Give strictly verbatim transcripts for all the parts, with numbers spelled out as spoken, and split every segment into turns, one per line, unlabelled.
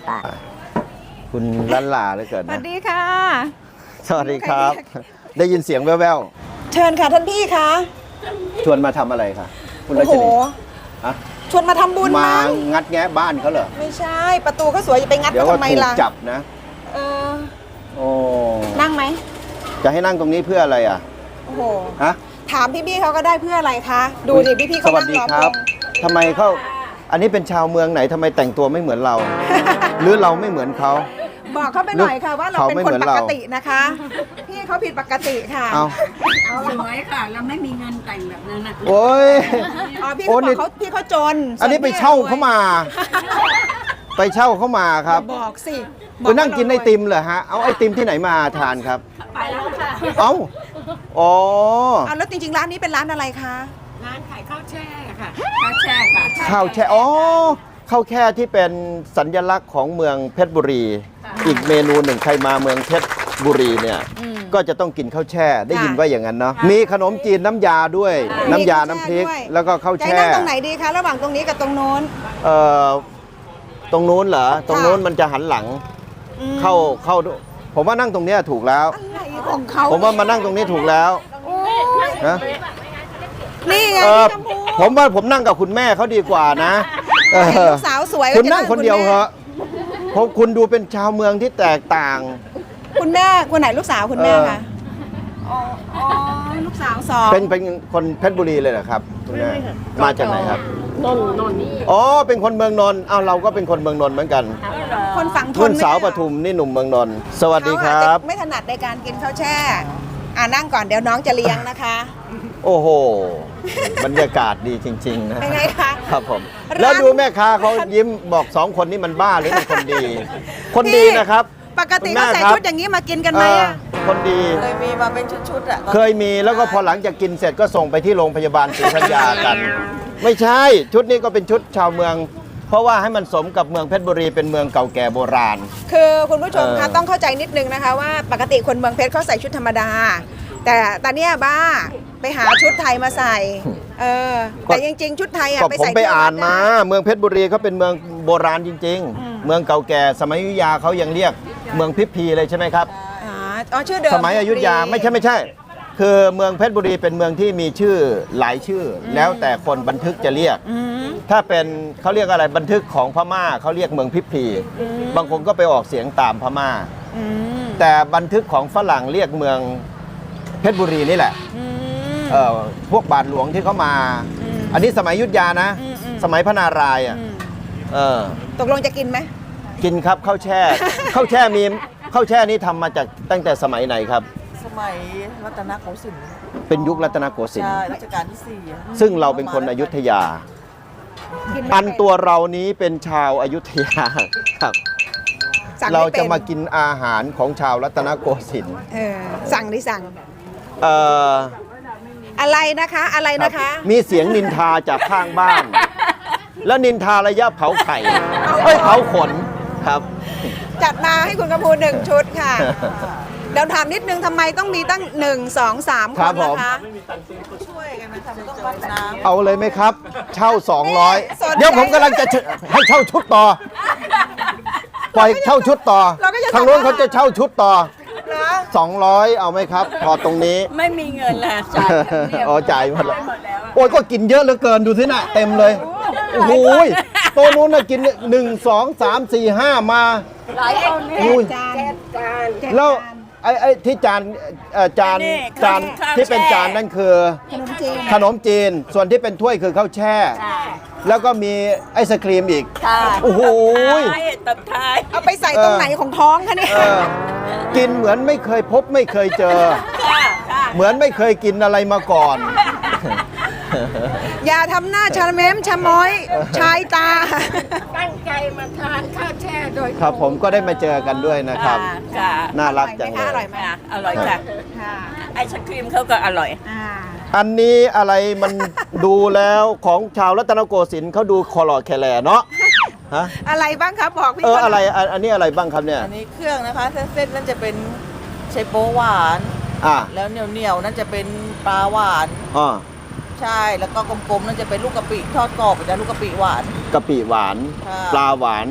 คุณลันลาเลยเกิด
ส
นะ
วัสดีค่ะ
สวัสดีครับ ได้ยินเสียงแว่ว
เชิญค่ะท่านพี่คะ
ๆชวนมาทำอะไรคะคุณรั
โอ้
ช
โห
นีอะ
ชวนมาทำบุญ
มา
มั้ง
งัดแงะบ้านเขาเหรอ
ไม่ใช่ประตูก็สวยจะไปงัด
เดี๋ยว
เขา
ก็
ทำไม
ถูก
ล่ะ
จับนะ
เออ
โอ้
นั่งไหม
จะให้นั่งตรงนี้เพื่ออะไรอ่ะ
โอ้โห
ฮะ
ถามพี่ๆเขาก็ได้เพื่ออะไรคะดูดิพี่ๆ
ส
เขา
วัส
นั่ง
ดี
รอ
ค
พ
รับ
ง
ทำไมเขาอันนี้เป็นชาวเมืองไหนทำไมแต่งตัวไม่เหมือนเรา หรือเราไม่เหมือนเขา
บอกเขาไปหน่อยค่ะว่าเรา
เขา
เป็น
ไม่
ค
เห
น
มือน
ป
เรา
กตินะคะ พี่เขาผิดปกติค่ะ
เอา
สวยค่ะ เราไม่มีเงินแต่งแบบนั้นนะ
โอ้ย
อ๋อพี่
โอ้
เขาบ
นี่
อกเขาพี่เขาจน
อันนี้ไปเช่าเขามา ไปเช่าเขามาครับ
บอกสิ
คุณนั่งกินไอติมเหรอฮะ เอาไอติมที่ไหนมาทานครับ
ไปแล้วค่ะ
เอ้า อ๋อ
เอาแล้วจริงๆร้านนี้เป็นร้านอะไรคะ
ร้านขายข้าวแช่ค่ะ ข้าวแช่ค่ะ
ข้าวแช่ อ๋อ ข้าวแช่ที่เป็นสัญลักษณ์ของเมืองเพชรบุรี อีกเมนูหนึ่งใครมาเมืองเพชรบุรีเนี่ย ก็จะต้องกินข้าวแช่ ได้ยินว่าอย่างนั้นเนาะ มีขนมจีนน้ำยาด้วย น้ำยา น้ำพริก แล้วก็ข้าว
จะ
แช่
ให้นั่งตรงไหนดีคะระหว่างตรงนี้กับตรงโน้น
เอ่อ ตรงนู้นเหรอ ตรงนู้นมันจะหันหลัง
อืม
เข้า เข้า ผมว่านั่งตรงเนี้ยถูกแล้ว
อะไรของเขา
ผมว่ามานั่งตรงนี้ถูกแล้ว
โอ้ย
นะ
นี่ไง
เออ
พี่ชมพู
ผมว่าผมนั่งกับคุณแม่เขาดีกว่านะเออ
ลูกสาวสวย
คุณนั่ง
จะ
คนเดียวเหรอะเพราะคุณดูเป็นชาวเมืองที่แตกต่าง
คุณแม่คนไหนลูกสาวคุณแม่
เออ
คะอ๋ออ๋อลูกสาวสอง
เป็นเป็นคนเพชรบุรีเลยเหรอครับคุณแม่มาจากไหนครับ
นนนน
อ๋อเป็นคนเมืองนนท์เอาเราก็เป็นคนเมืองนนท์เหมือนกัน
คนฝั่งทน
รุ่นสาว
ไใช่
ป
เหรอ
ทุมนี่หนุ่มเมืองนนท์สวัสดีค
เขา
รั
อาจ
บ
จะไม่ถนัดในการกินข้าวแช่ อ่านั่งก่อนเดี๋ยวน้องจะเลี้ยงนะคะ
โอ้โห บรรยากาศดีจริง ๆ นะ
เป็นไงคะ
ครับผม
ร้าน
แล้วดูแม่ค้าเขายิ้มบอกสองคนนี้มันบ้าหรือเป็นคนดี คนดีนะครับ
ปกติ
คุณแม่
เขาใส่
ครับ
ชุดอย่างนี้มากินกันไหมอะ
เออคนดี
เคยมีมาเป็นชุดๆอ่ะ
เคยมีแล้วก็พอหลังจากกินเสร็จก็ส่งไปที่โรงพยาบาลศรีธัญญากัน ไม่ใช่ชุดนี้ก็เป็นชุดชาวเมือง เพราะว่าให้มันสมกับเมืองเพชรบุรีเป็นเมืองเก่าแก่โบราณ
คือคุณผู้ชมคะ
เออ
ต้องเข้าใจนิดนึงนะคะว่าปกติคนเมืองเพชรเขาใส่ชุดธรรมดา แต่ตอนเนี้ยบ้าไปหาชุดไทยมาใส่ เออแต่จริงๆ ชุดไทยอ่ะ
ก็
ไป
ผม
ใส่
ไป
ที่วัด
อ่านมา
ได้
เมืองเพชรบุรีเขาเป็นเมืองโบราณจริง
อืม
ๆ เมืองเก่าแก่สมัยอยุธยาเขายังเรียกเมืองพิพีเลยใช่ไหมครับ
อ๋ออ๋อชื่อเดิม
สมัยอยุธยาไม่ใช่ไม่ใช่ คือเมืองเพชรบุรีเป็นเมืองที่มีชื่อหลายชื่ออแล้วแต่คนบันทึกจะเรียก
อืม
ถ้าเป็นเขาเรียกอะไรบันทึกของพม่าเขาเรียกเมืองพิพี บางคนก็ไปออกเสียงตามพม่า
อืม
แต่บันทึกของฝรั่งเรียกเมืองเพชรบุรีนี่แหละ
อืม
เอ่อพวกบาทหลวงที่เขามา
อืม
อันนี้สมัยอยุธยานะ
อืมอืม
สมัยพระนารายณ์อ่ะ
อืม
เออ
ตกลงจะกินไหม
กินครับข้าวแช่ ข้าวแช่มีข้าวแช่นี้ทำมาจากตั้งแต่สมัยไหนครับ
สมัยรัตนโกสินทร์
เป็นยุครัตนโกสินท
ใช่
ร์
รัชกาลที่สี่อะ
ซึ่งเราเป็นคนอยุธยา
กินไม่
อัน
เป็น
ตัวเรานี้เป็นชาวอยุธยาครับ
สั่ง
เรา
ไม่ป็น
จะมากินอาหารของชาวรัตนโกสินทร์
เออสั่งดิสั่ง
เอ่อ
อะไรนะคะ อะไร
ครับ
นะคะ
มีเสียงนินทาจากข้างบ้าน แล้วนินทาระยะเผาไข่เอ้ยเผาขนครับ
จัดมาให้คุณกระพูหนึ่งชุดค่ะ เดี๋ยวถามนิดนึงทำไมต้องมีตั้งหนึ่งสองสามค
ครั
น
บผม
นะคะ
ช่วยกันนะคะมันต้องวัดน้ำ
เอาเลยไหมครับ เช่า
สนใจ
สองร้อย เดี๋ยวผมกำลังจะเชให้เช่าชุดต่อ ปล่อยเช่าชุดต่อ
เราก็จะ
ทางโน้น
ทำ
เขาจะเช่าชุดต่อ
นะ
สองร้อย เอาไหมครับพอตรงนี้
ไม่มีเงินละจ่ายเดียว
อ๋อจ่ายหมดแล้ว
หมดแล้วอะ
โอ้ยก็กินเยอะเหลือเกินดูสิน่ะเต็มเลย โอ้โหยโตัวนู้นน่ะกินหนึ่งสองสามสี่ห้ามา
หลายคนเนี่ย
อุ้ย
จานจาน
แล้วไอ้ไอ้ที่จานเอ่อจาน
นี่
จาน
ข้าว
ที่เป็น
แช่
จานนั่นคือ
ขนมจีน
ขนมจีน ส่วนที่เป็นถ้วยคือข้าวแช่
ค่ะ
แล้วก็มีไอศครีมอีก
ค่ะ
โอ้โห
ท้ายตบท้าย
เอาไปใส่ตรงไหนของท้องคะเนี่ย
เออกินเหมือนไม่เคยพบไม่เคยเจอ
ค่ะค่ะ
เหมือนไม่เคยกินอะไรมาก่อน
อย่าทำหน้าชะเม้มชะม้อย ชายตา
ตั้งใจมาทานข้าวแช่โดย
ครับผมก็ได้มาเจอกันด้วยนะครับ
ค่ะ
น่ารักจังเล
อร่อย
ย
ไหม
ค่ะอร่อยค่ะ
ค่ะ
ไอศครีมเขาก็อร่อย
อ่า
อันนี้อะไรมันดูแล้วของชาวรัตนโกสินทร์เขาดูคอหลอดแคแลเนาะฮะ
อะไรบ้างครับบอกพี่
เออ
ก่น
อะไรอันอันนี้อะไรบ้างครับเนี่ย
อันนี้เครื่องนะคะเส้นๆนั่นจะเป็นไชโป๊หวาน
อ่า
แล้วเหนียวๆนั่นจะเป็นปลาหวาน
อ๋อ
ใช่แล้วก็กลมๆนั่นจะเป็นลูกกะปิทอดกรอบเป็นลูกกะปิหวาน
กะปิหวาน
ค่ะ
ปลาหวาน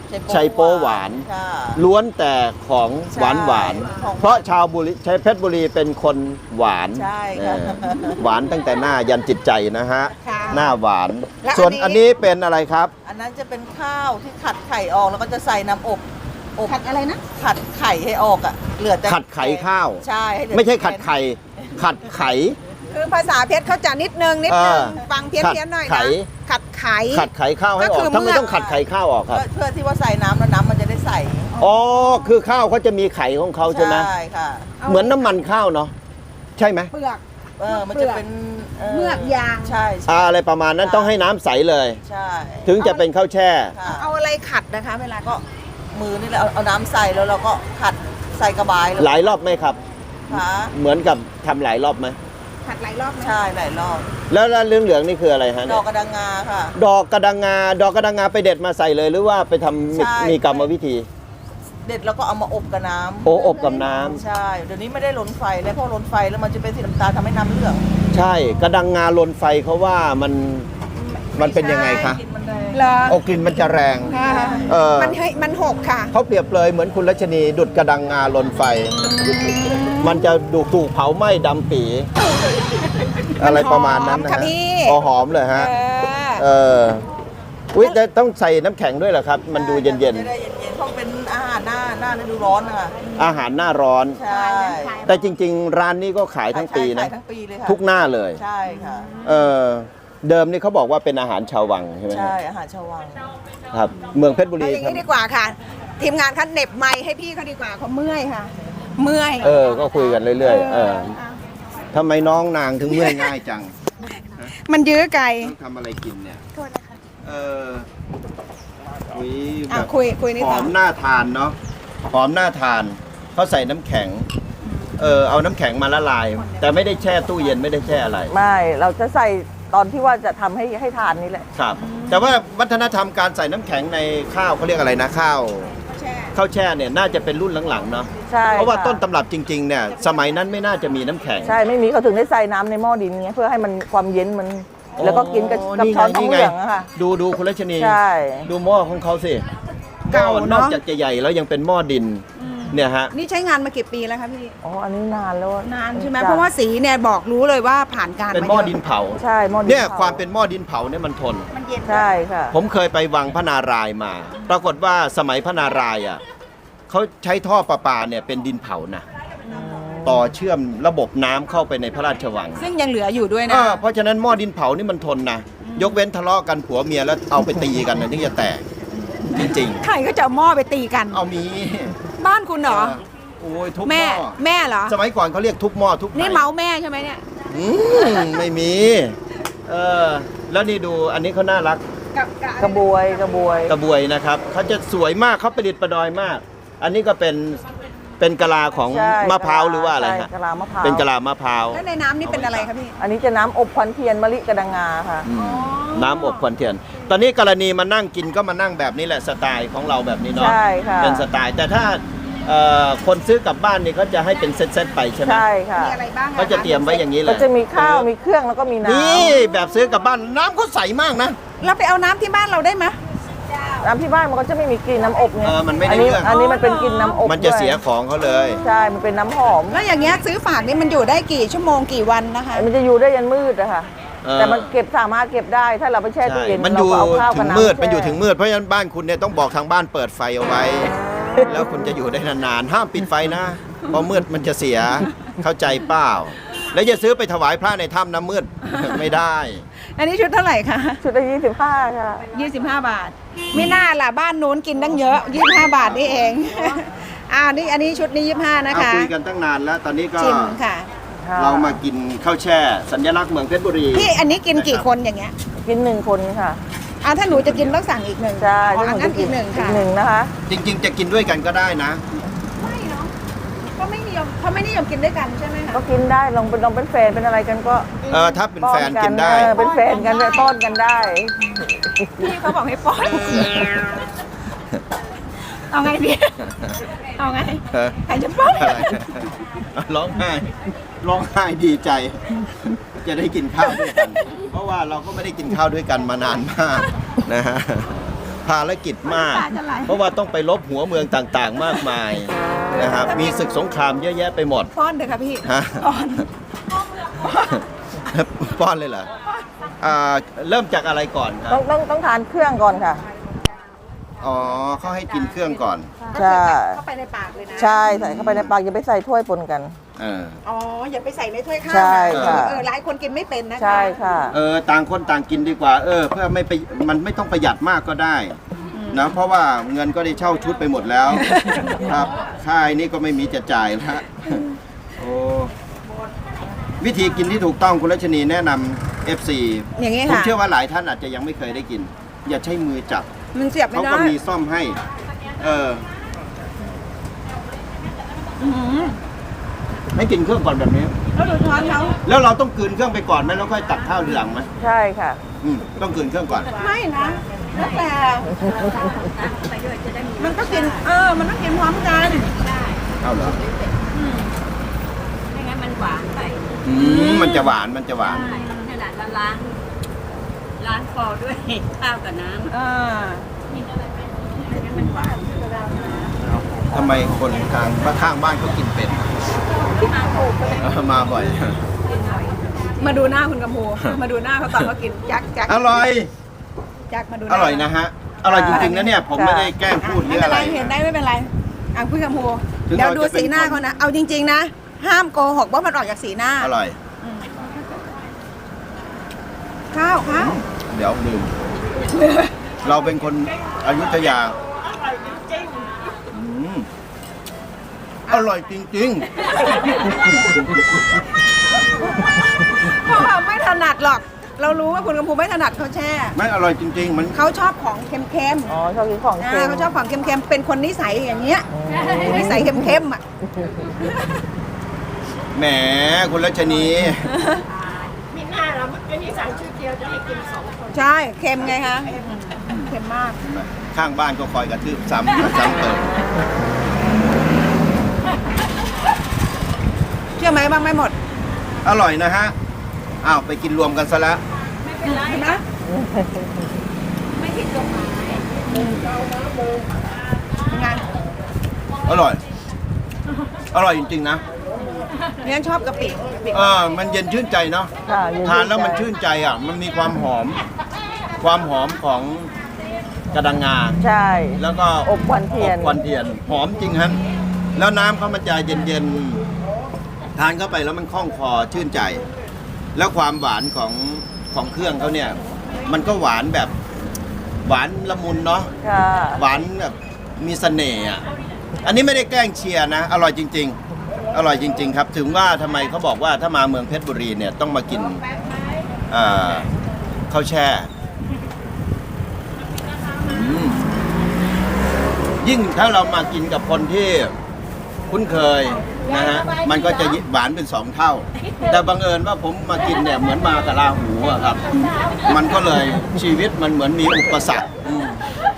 ชัยโป๊หวาน
ค่ะ
ล้วนแต่ของหวานหวาน
ของ
เพราะชาวบุรีชัยเพชรบุรีเป็นคนหวาน
ใช่ค่ะ
เออหวานตั้งแต่หน้ายันจิตใจนะฮะ
ค่ะ
หน้าหวาน
และ
ส่วน
อั
อัน
นนี้
นี้เป็นอะไรครับ
อันนั้นจะเป็นข้าวที่ขัดไข่ออกแล้วก็จะใส่น้ำอบอบ
ผัดอะไรนะ
ขัดไข่ให้ออกอ่ะเหลือแต่
ขัดไข่ข้าว
ใช่ให้เหลือ
ไม่ใช่
แต่
ขัดไข่ ขัดไข่
คือภาษาเพชรเขาจะนิดนึงนิดนึง
เออ
ฟังเพี้ยน
ขัด
เพี้ยนหน่อย
ไข่
นะขัดไข่
ขัดไข่ข้าวให้อ
ก็
อ
คื
ก
อ
ทำไม
เมื่อ
ต้องขัดไข่ข้าวออกครับ
เพื่อเพื่อที่ว่าใส่น้ำแล้วน้ำมันจะได้ใส
อ๋อ คือข้าวเขาจะมีไข่ของเขาใช่ไหม
ใช่ค่ะ
เหมือนน้ำมันข้าวเนาะ ใช่ไหม
เปลือก
เออมันจะเป็น
เมือกยาง
ใช่ใช่
อ่าอะไรประมาณนั้นต้องให้น้ำใสเลย
ใช่
ถึงจะเป็นข้าวแช่
ค่ะ
เอาอะไรขัดนะคะ เวลาก็
มือนี่แหละเอาเอาน้ำใส่แล้วเราก็ขัดใส่กระบายแล้ว
หลายรอบไหมครับ
ค่ะ
เหมือนกับทำหลายรอบไหม
ขัดหลายรอบไหม
ใช่หลายรอบ
แล้วแล้วเหลืองเหลืองๆนี่คืออะไรฮะ
ด
เนี่
อย กกระดังงาค่ะ
ดอกกระดังงา ดอกกระดังงาไปเด็ดมาใส่เลย หรือว่าไปทำมี
ใช่
มีกรรมวิธี
เด็ดแล้วก็เอามาอบกับน้ำ
โออบกับน้ำ
ใช่เดี๋ยวนี้ไม่ได้ล้นไฟแล้วเพราะล้นไฟแล้วมันจะเป็นสีน้ำตาลทำให้น้ำเหลือง
ใช่ กระดังงาลนไฟเขาว่ามันมันเป็นยังไงคะ
กินมันแรง
เหรอ
โอกลิ่นมันจะแรง
ค่ะ
เออ
มันเฮ้ยมันหกค่ะ
เขาเปรียบเลยเหมือนคุณรัชนีดุดกระดังงาลนไฟ มันจะดูถูกเผาไหม้ดำปี อะไรประมาณนั้นนะ
หอมค่ะ
ฮะ
พี่
พอหอมเลยฮะ
เออ
เอออุ้ยแต่ต้องใส่น้ำแข็งด้วยเหรอครับ มันดูเย็น
จะได้เย็นๆเพราะเป็นอาหารหน้าหน้าฤดูร้อนนะคะ
ๆ อาหารหน้าร้อน
ใช่
แต่จริง ๆ ร้านนี้ก็ขายทั้งปีนะ
ขายทั้งปีเลยค่ะ
ทุกหน้าเลย
ใช่ค่ะ
เออเดิมนี่เขาบอกว่าเป็นอาหารชาววังใช่ไหม
ใช่อาหารชาววัง
ครับ เมืองเพชรบุ
เอา
รี
อย่าง
ครั
นี้
บ
ดีกว่าค่ะ ทีมงานคันเหน็บไม้ให้พี่เขาดีกว่าเขาเมื่อยค่ะ เมื่อย
เออ ก็คุยกันเรื่อยๆ เออทำไมน้องนางถึงเมื่อยง่ายจัง
มันยื้อไกล
ต้องทำอะไรกินเนี่ยเออคุยแบ
อ่ะ
บ
คุยคุยนี่
ห
ต่
อ
อ
มน่าทานเนาะ หอมน่าทาน เขาใส่น้ำแข็ง เออ เอาน้ำแข็งมาละลาย แต่ไม่ได้แช่ตู้เย็นไม่ได้แช่อะไร
ไม่เราจะใส่ตอนที่ว่าจะทำให้ให้ทานนี่แหละ
ครับ แต่ว่าวัฒนธรรมการใส่น้ำแข็งในข้าวเขาเรียกอะไรนะข้าว
แช่
ข้าวแช่เนี่ยน่าจะเป็นรุ่นหลังๆเนาะ
ใช่
เพราะว่า
ค่
ต้นตำรับจริงๆเนี่ยสมัยนั้นไม่น่าจะมีน้ำแข็ง
ใช่ไม่มีเขาถึงได้ใส่น้ำในหม้อดินไงเพื่อให้มันความเย็นมัน แล้วก็กินกับกับช้อนทองเหลืองอะค่ะ
ดูดูคุณรัชนี
ใช่
ดูหม้อของเขาสิ
เก่า
หม้อน
เน
อก
อะ
จากจะใหญ่แล้วยังเป็นหม้อดินเนี่ยฮะ
นี่ใช้งานมากี่ปีแล้วคะพี่
อ๋ออันนี้นานแล้วอะ
นานใช่ไหม
จ้
เพราะว่าสีเนี่ยบอกรู้เลยว่าผ่านการ
เป็น
มา
หม้อ
เยอะ
ดินเผา
ใช่หม้อดิน
เนี่ย
ผ
ความเป็นหม้อดินเผาเนี่ยมันทน
มันเย็น
ใช่ค่ะ
ผมเคยไปวังพระนารายณ์มา ปรากฏว่าสมัยพระนารายณ์อ่ะเขาใช้ท่อประปาเนี่ยเป็นดินเผานะต่อเชื่อมระบบน้ำเข้าไปในพระราชวัง
ซึ่งยังเหลืออยู่ด้วย
เอ
นะ
อเพราะฉะนั้นหม้อดินเผานี่มันทนนะยกเว้นทะเลาะกันผัวเมียแล้วเอาไปตีกันนะถึงจะแตกจริง
ใครก็จะเอาหม้อไปตีกัน
ๆ เอามี
บ้านคุณเหรอ
โอ้ยทุบห
แม่
ม้อ
แม่เหรอ
สมัยก่อนเขาเรียกทุบหม้อทุบไห
นี่เมาส์แม่ใช่ไหมเนี่ย
อืมไม่มี เออ แล้วนี่ดูอันนี้เขาน่ารัก
กับกับ
กระบวยกระบวย
กระบวยนะครับเขาจะสวยมากเขาประดิษฐ์ประดอยมาก อันนี้ก็เป็นเป็นกะลาของ
ใช่
มะพร้าวหรือว่าอะไร
ใช่
ฮะ
กะลามะพร้าว
เป็นกะลามะพร้าว
แล้วในน้ำนี่เป็นอะไรคะพี่
อันนี้จะน้ำอบควันเทียนมะลิกระดังงาค่ะ
อืมน้ำอบควันเทียน ตอนนี้กรณีมานั่งกินก็มานั่งแบบนี้แหละสไตล์ของเราแบบนี้เนาะ
ใช่ค่ะ
เป็นสไตล์ แต่ถ้าเอ่อคนซื้อกลับบ้านนี่เขาจะให้เป็นเซตๆไปใช่ไหม
ใช่ค่ะ
มีอะไรบ้างอ
เขาจะเตรียมไว้อย่างนี้เล
ก็
ย
จะมีข้าวมีเครื่องแล้วก็มีน้ำ
นี่แบบซื้อกลับบ้านน้ำเขาใสมากนะ
เราไปเอาน้ำที่บ้านเราได้ไหม
น้ำที่บ้านมันก็จะไม่มีกลิ่นน้ำอบไง
เออมันไม่ได้
อันี้
เรื่อง
อันนี้มันเป็นกลิ่นน้ำอบ
มันจะ
ด้วย
เสียของเขาเลย
ใช่ มันเป็นน้ำหอม
แล้วอย่างเงี้ยซื้อฝากนี่มันอยู่ได้กี่ชั่วโมงกี่วันนะคะ
มันจะอยู่ได้ยันมืดอะค่ะ
เออ
แต่มันเก็บสามารถเก็บได้ ถ้าเราไปแช่ตู้
ใช่
เย็น
มันอยู่
เราก็เอาข้าว
ถึ
กับ
ง
น้ำ
มืด
แช่
มันอยู่ถึงมืด เพราะฉะนั้นบ้านคุณเนี่ยต้องบอกทางบ้านเปิดไฟเอาไว้ แล้วคุณจะอยู่ได้นานๆ ห้ามปิดไฟนะ เพราะมืดมันจะเสีย เข้าใจเปล่า แล้วอย่าซื้อไปถวายพระในถ้ำน้ำมืด ไม่ได้
อันนี้ชุดเท่าไหร่คะ
ชุดละยี่สิบห้าค่ะ
ยี่สิบห้าบาท ไม่น่าล่ะบ้านนู้นกินตั้งเยอะยี่สิบห้าบาทนี่เอง อ่านี่อันนี้ชุดนี้ยี่สิบห้านะ
เอา
คะ
คุยกันตั้งนานแล้ว ตอนนี้ก็
ชิมค่ะ
เรามากินข้าวแช่ สัญลักษณ์เมืองเพชรบุรี
พี่อันนี้กินกี่คนอย่างเงี้ย
กินหนึ่งคนค่ะ
อ่าถ้าหนูจะกินต้องสั่งอีกหนึ่ง
ใช่
อ๋อ
ถ้า
อัน
ห
นั้น
จะ
อีกหนึ่งค่ะ
อีกหนึ่งนะคะ
จริง ๆ จะกินด้วยกันก็ได้นะ
ไม่เนาะก็ไม่นิยมเขาไม่นิยมกินด้วยกันใช่ไหมคะ
ก็กินได้ลองเป็นลองเป็นแฟนเป็นอะไรกันก็
เออ ถ้าเป็นแฟน
ป้อ
กินได้
เออเป็นแฟนกันเลยป้อนกันได้
พี่เขาบอกให้ป้อนเอาไงพี่เอาไง
เออ
ใครจะป้อน
อะไรร้องไห้ร้องไห้ดีใจ จะได้กินข้าวด้วยกัน เพราะว่าเราก็ไม่ได้กินข้าวด้วยกันมานานมากนะฮะภารกิจมาก เพราะว่าต้องไปลบหัวเมืองต่างๆ มากมายนะครับมีศึกสงครามเยอะแยะไปหมด
ป้อนเถอะค่ะพี่
ฮะ
ป้อน
ป้อนเลยเหรออ่าเริ่มจากอะไรก่อนครั
ต้
บ
องต้องต้องทานเครื่องก่อนค่ะ
อ๋อเขาให้กินเครื่องก่อน
ใช่
เข้าไปในปากเลยนะ
ใช่ใส่เข้าไปในปากอย่าไปใส่ถ้วยปนกัน
เออ
อ๋ออย่าไปใส่ในถ้วยข้าว
ใช่
นะ
ค่ะ
เออหลายคนกินไม่เป็นนะคะ
ใช่ค่ะ
เออต่างคนต่างกินดีกว่า เออ เพื่อไม่ไปมันไม่ต้องประหยัดมากก็ได้นะเพราะว่าเงินก็ได้เช่าชุดไปหมดแล้ว ครับค่ายนี้ก็ไม่มีจะจ่ายแล้วโอ้วิธีกินที่ถูกต้องคุณรัชนีแนะนำ เอฟ ซี
อย่างนี้
ผม
ค่ะ
เชื่อว่าหลายท่านอาจจะยังไม่เคยได้กิน อย่าใช้มือจับ
มันเสียบไม่
เขา
ได้
ก็มีซ่อมให้ เออให้กินเครื่องก่อนแบบนี้
แล้วดูช้อนเขา
แล้วเราต้องกลืนเครื่องไปก่อนไหมแล้วค่อยตักข้าวทีหลังไหม
ใช่ค่ะ
อืมต้องกลืนเครื่องก่อน
ไม่นะแล้วแต่มันก็กินเออมันต้องกินพร้อมกัน
เอาเหรอ
ไม่งั้นมันหวานไป
อืมมันจะหวานมันจะหวาน
ใช่ขนาดเราล้างล้างคอด้วยข้าวกับน้ำ
เออ
ไม่งั้นมันหวาน
ทำไมคนทางบ้านข้างบ้านเขากินเป็ดเออมาบ่อย
มาดูหน้าคุณกำพูมาดูหน้าเขาตอนเขากินจักจัก
อร่อย
จักมาดูห
อ
น้า
ร่อยนะฮะ อร่อยจริงๆนะเนี่ย ผมไม่ได้แกล้งพูดหรื
ไม่
อ
เป็
อะ
น
ไร
ไรเห็นได้ไม่เป็นไรอ่ะคุณกำพู
ถึง
เดี๋ยว
เรา
ดู
จะเป็น
สีหน้า
คน
เขานะเอาจริง ๆ นะ ห้ามโกหกว่ามันออกจากสีหน้า
อร่อย
ข้าวข้าว
เดี๋ยวลืม เราเป็นคนอยุธยาอืมอร่อยจริง
เพราะว่าไม่ถนัดหรอก เรารู้ว่าคุณกำพูไม่ถนัดข้าวแช่
ๆ ไม่อร่อยจริง ๆ มัน
เขาชอบของเค็ม
อ๋อชอบกินของ
ๆ
เค็
อ่าม เขาชอบของเค็มๆเป็นคนนิสัยอย่างเงี้ยนิสัยเค็มๆอ่ะ
แหมคุณรัชนี
มีหน้าเราไอ้นี่สั่งชุดเดียวจะให้กินสองคน
ใช่เค็มไงคะเค็มมาก
ข้างบ้านก็คอยกระทืบซ้ำซ้ำเติม
เชื่อไหมบ้างไม่หมด
อร่อยนะฮะ อ้าวไปกินรวมกันซะแล้ว
เห็นไหม
ไม่ผิดกฎหมาย
งาน
อร่อย อร่อยจริงๆนะ
เนี่ยชอบกะปิกะปิ
เออมันเย็นชื่นใจเนาะ
ค่ะเย็
ทานแล้วมันชื่นใจอ่ะ มันมีความหอม ความหอมของกระดังงา
ใช่
แล้วก็
อบควันเทียน
อบควันเทียน หอมจริงฮะ แล้วน้ำเขามันจะเย็นๆ ทานเข้าไปแล้วมันคล่องคอชื่นใจ แล้วความหวานของของเครื่องเขาเนี่ย มันก็หวานแบบหวานละมุนเนาะ
ค่ะ
หวานแบบมีเสน่ห์อ่ะ อันนี้ไม่ได้แกล้งเชียร์นะ อร่อยจริง ๆ อร่อยจริง ๆ ครับ ถึงว่าทำไมเขาบอกว่าถ้ามาเมืองเพชรบุรีเนี่ยต้องมากินอ่าข้าวแช่อืมยิ่งถ้าเรามากินกับคนที่คุ้นเคยนะฮะ มันก็จะหวานเป็นสองเท่า แต่บังเอิญว่าผมมากินเนี่ยเหมือนมากับลาหูอะครับ มันก็เลยชีวิตมันเหมือนมีอุปสรรคอืม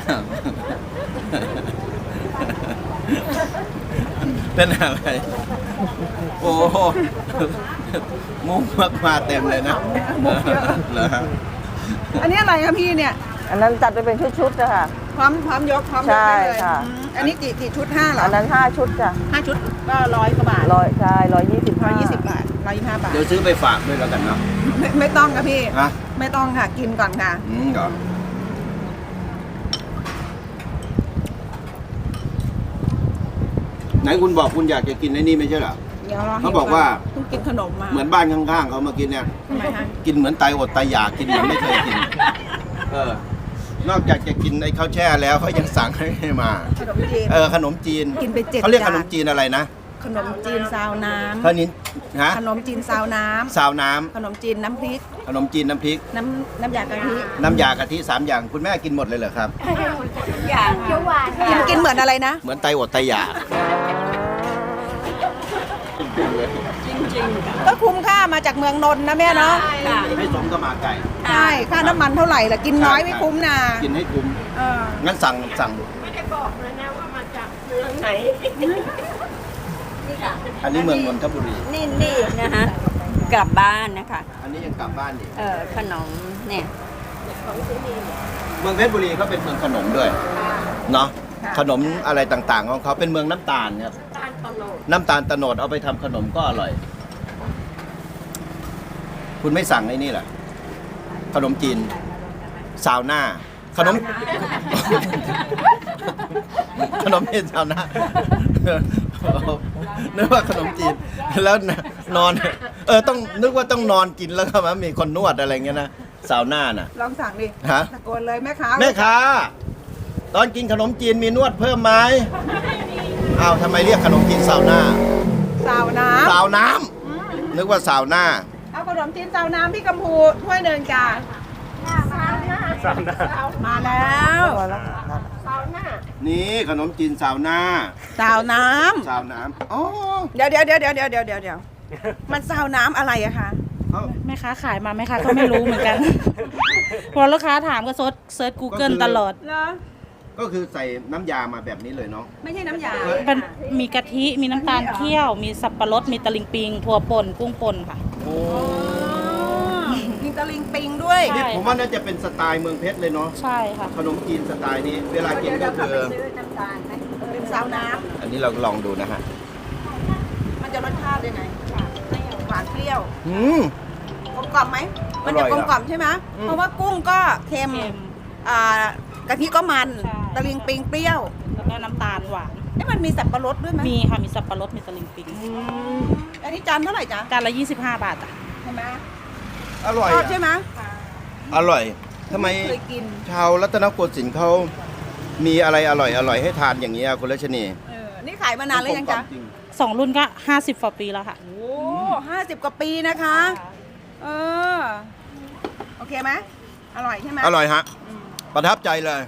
เป็นอะไร โอ้โหมุกมากมาเต็มเลยนะเหรอฮะ
อันนี้อะไรคะพี่เนี่ย
อันนั้นจัดไปเป็นชุดๆนะคะ
พร้อมพร้อมยกพร้อมยก
ใช่
ได้เลย
ค่ะ
อืมอันนี้กี่กี่ชุดห้าเหรอ
อันนั้นห้าชุดจ้ะ
ห้าชุดก็ร้อยกว่าบาท
ร้อยใช่ร้อยยี่สิบ
ร้อยยี่สิบบาทร้อยยี่สิบห้าบาท
เดี๋ยวซื้อไปฝากด้วยแล้วกันเนาะ
ไม่ไม่ต้องค่ะพี่
ฮะ
ไม่ต้องค่ะกินก่อนค่ะ
อืมเหรอไหนคุณบอกคุณอยากจะกินไอ้นี่ไม่ใช่เหรอ
เดี๋ยวรอ
เขาบอกว่า
เพิ่งกินขนมมา
เหมือนบ้านข้างๆเขามากินเนี่ย
ทำไมคะ
กินเหมือนตายอดตายอยากกินเหมือนไม่เคยกิน เออ นอกจากจะกินไอ้ข้าวแช่แล้วเขายังสั่งให้มา
ขนมจีน
เออขนมจีน
กินไปเจ็ด
เขาเรียก
จาน
ขนมจีนอะไรนะ
ขนมจีนซาวน้
ขนมฮะ
ำขนมจีนซาวน้
ซาวน้ำ
ำขนมจีนน้ำพริก
ขนมจีนน้ำพริก
น้ำน้ำยากะทิ
น้ำยากะทิสามอย่างคุณแม่กินหมดเลยเหรอครับ
อย่างเขียวหวาน
กินกินเหมือนอะไรนะ
เหมือนไตอดไตอยาก
ก็คุ้มค่ามาจากเมืองนนท์นะแม่เนาะ
ค่ะ
ให้สมกับหมาไก่
ใช่ค่าน้ำมันเท่าไหร่ล่ะกินน้อยไม่คุ้มนะ
กินให้คุ้ม
เออ
งั้นสั่งสั่ง
ไม่ได้บอกเลยนะว่ามาจากเมืองไหน
อันนี้เมืองนนทบุรี
นี่นี่นะฮะกลับบ้านนะคะ
อันนี้ยังกลับบ้านอีก
เออขนมเนี่ย
อเมืองเพชรบุรีเขาเป็นเมืองขนมด้วยเนาะขนมอะไรต่างๆของเขาเป็นเมืองน้ำตาลครับน้ำตาลตะโนดเอาไปทำขนมก็อร่อย คุณไม่สั่งไอ้นี่เหรอขนมจีนซาวน่าขนม ขนมจีนซาวน่านึกว่าขนมจีนแล้วนอน เออต้องนึกว่าต้องนอนกินแล้วก็มันมีคนนวดอะไรเงี้ยนะซาวน่าน่ะ
ลองสั่งดิ
ฮะ
ตะโกนเลยแม่ค้า
แม่ค้าตอนกินขนมจีนมีนวดเพิ่มไหมอ้าวทำไมเรียกขนมจีนซาวน่า
สาวน้
ซาวน้ำนึกว่าซาวน่า
ำเอาขนมจีนสาวน้ำพี่กัมพูถ้วยหนึ่งจ้ามาแล้ว
นี่ขนมจีนซาวน่า
สาวน้
ซาวน้ำอ๋อ
ำเดี๋ยวเดี๋ยวเดี๋ยวเดี๋ยวเดี๋ยวเดี๋ยวเดี๋ยวเดี๋ยวมันสาวน้ำอะไรอะคะ
เอ้า
แม่ค้าขายมาแม่ค้าก็ไม่รู้เหมือนกัน พอลูกค้าถามก็เซิร์ชเซิร์ช Google ตลอด
เหรอ
ก็คือใส่น้ำยามาแบบนี้เลยเนาะ
ไม่ใช่น้ำยา
มันมีกะทิ มีน้ำตาลเคี่ยว มีสับปะรด มีตะลิงปิง ถั่วป่น กุ้งป่นค่ะ
โอ้
มีตะลิงปิงด้วย
ใช่
นี่ผมว่าน่าจะเป็นสไตล์เมืองเพชรเลยเนาะ
ใช่ค่ะ
ขนมจีนสไตล์นี้ เวลากินก็คือ
เป็นสาวน้
อันนี้เราลองดูนะฮะ
ำมันจะรสชาติยังไงหวานเปรี้ยว
อืม
กลมกล่อมไหมมันจะ
อร่อย
กลม
นะ
กล่อมใช่ไหม
อืม
เพราะว่ากุ้งก็เค็ม
เค็ม
อ่ากะทิก็มัน
ใช่
ตะลิงปิงเปรี้ยว
แล้วก็น้ำตาลหวาน
เอ๊ะมันมีสับปะรดด้วยไหม
มีค่ะ มีสับปะรด มีตะลิงปิง
อันนี้จานเท่าไหร่จ๊ะ
จานละยี่สิบห้าบาทอ่ะ
ใช่ไหม
อร่อย
ชอบ
อะ
ใช่ไหม
อร่อยทำไม
เคยกิน
ชาวรัตนโกสินทร์เขามีอะไรอร่อยอร่อยให้ทานอย่างนี้ยคุณรัชนี
เออนี่ขายมานานแล้วยังจ๊ะ
จริง
สองรุ่นก็ห้าสิบกว่าปีแล้วค่ะ
โอ้ห้าสิบกว่าปีนะคะ เออ โอเคไหมอร่อยใช่ไหม
อร่อยฮะ
อืม
ประทับใจเลย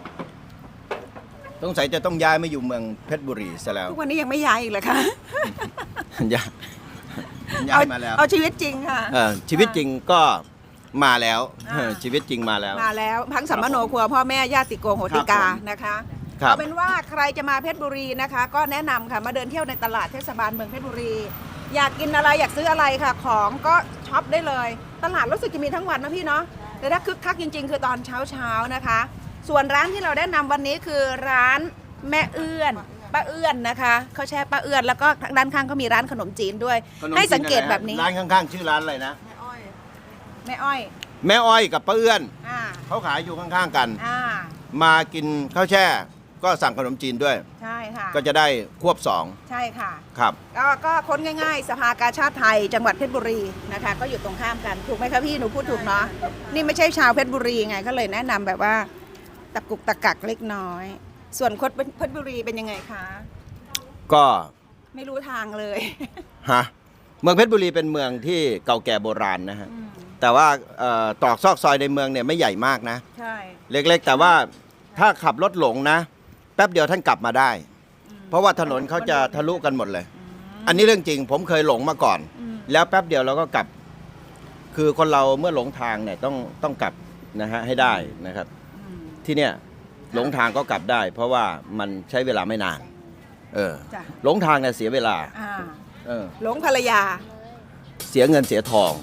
สงสัยจะต้องย้ายมาอยู่เมืองเพชรบุรีซะแล้ว
ทุกวันนี้ยังไม่ย้ายอีกเลยค่ะ
ย้ายย้ายมาแล้ว
เอาเอาชีวิตจริงค่ะ
เออชีวิตจริงก็มาแล้ว
อ่า
เออชีวิตจริงมาแล้ว
มาแล้วพังสัมมโนครัวพ่อแม่ญาติโกโหติกา
ครับผม
นะคะ
ครับ
เอาเป็นว่าใครจะมาเพชรบุรีนะคะ ก็แนะนำค่ะมาเดินเที่ยวในตลาดเทศบาลเมืองเพชรบุรี อยากกินอะไรอยากซื้ออะไรค่ะ ของก็ช็อปได้เลย ตลาดรู้สึกจะมีทั้งวันนะพี่เนาะแต่ถ้าคึกคักจริง ๆ คือตอนเช้าเช้าๆนะคะ ส่วนร้านที่เราแนะนำวันนี้คือร้านแม่เอื้อนป้าเอื้อนนะคะเขาแช่ป้าเอื้อนแล้วก็ด้านข้างเขามีร้านขนมจีนด้วย
ขนม
ให้
จีน
สังเกต
อะไรฮะ
แบบนี้
ร้านข้างๆ ชื่อร้านอะไรนะ
แม่อ้อย
แม่อ้อยกับป้าเอื้อน
อ่า
เขาขายอยู่ข้างๆกัน
อ่า
มากินข้าวแช่ ก็สั่งขนมจีนด้วย
ใช่ค่ะ
ก็จะได้ควบสอง
ใช่ค่ะ
ครับ
ก็ก็ค้นง่ายๆ สภากาชาติไทย จังหวัดเพชรบุรีนะคะ ก็อยู่ตรงข้ามกันถูกไหมคะพี่หนูพูดถูกเนาะนี่ไม่ใช่ชาวเพชรบุรีไงก็เลยแนะนำแบบว่าตะกุกตะกักเล็กน้อย ส่วนคนเพชรบุรีเป็นยังไงคะ
ก็
ไม่รู้ทางเลย
ฮะเมืองเพชรบุรีเป็นเมืองที่เก่าแก่โบราณนะฮะแต่ว่าเอ่อตรอกซอกซอยในเมืองเนี่ยไม่ใหญ่มากนะ
ใช่
เล็กๆ แต่ว่าถ้าขับรถหลงนะ แป๊บเดียวท่านกลับมาได้ เพราะว่าถนนเขาจะทะลุกันหมดเลย อันนี้เรื่องจริง ผมเคยหลงมาก่อน แล้วแป๊บเดียวเราก็กลับ คือคนเราเมื่อหลงทางเนี่ยต้องต้องกลับนะฮะให้ได้นะครับ ที่เนี่ยหลงทางก็กลับได้ เพราะว่ามันใช้เวลาไม่นาน เออ
จ้ะ
หลงทางเนี่ยเสียเวลา
อ่า
เออ
หลงภรรยา
เสียเงินเสียทอง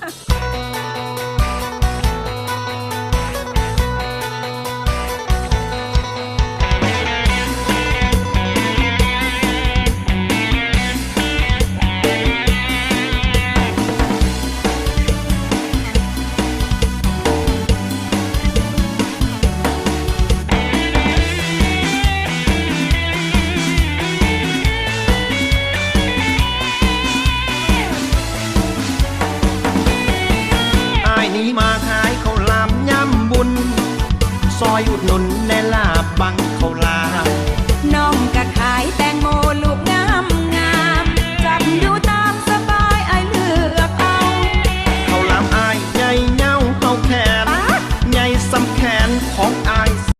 อายนี้มาขายข้าวหลามย่ำบุญ ซอยอุดหนุนแน่ลาบบังข้าวหลาม
น้องก็ขายแต่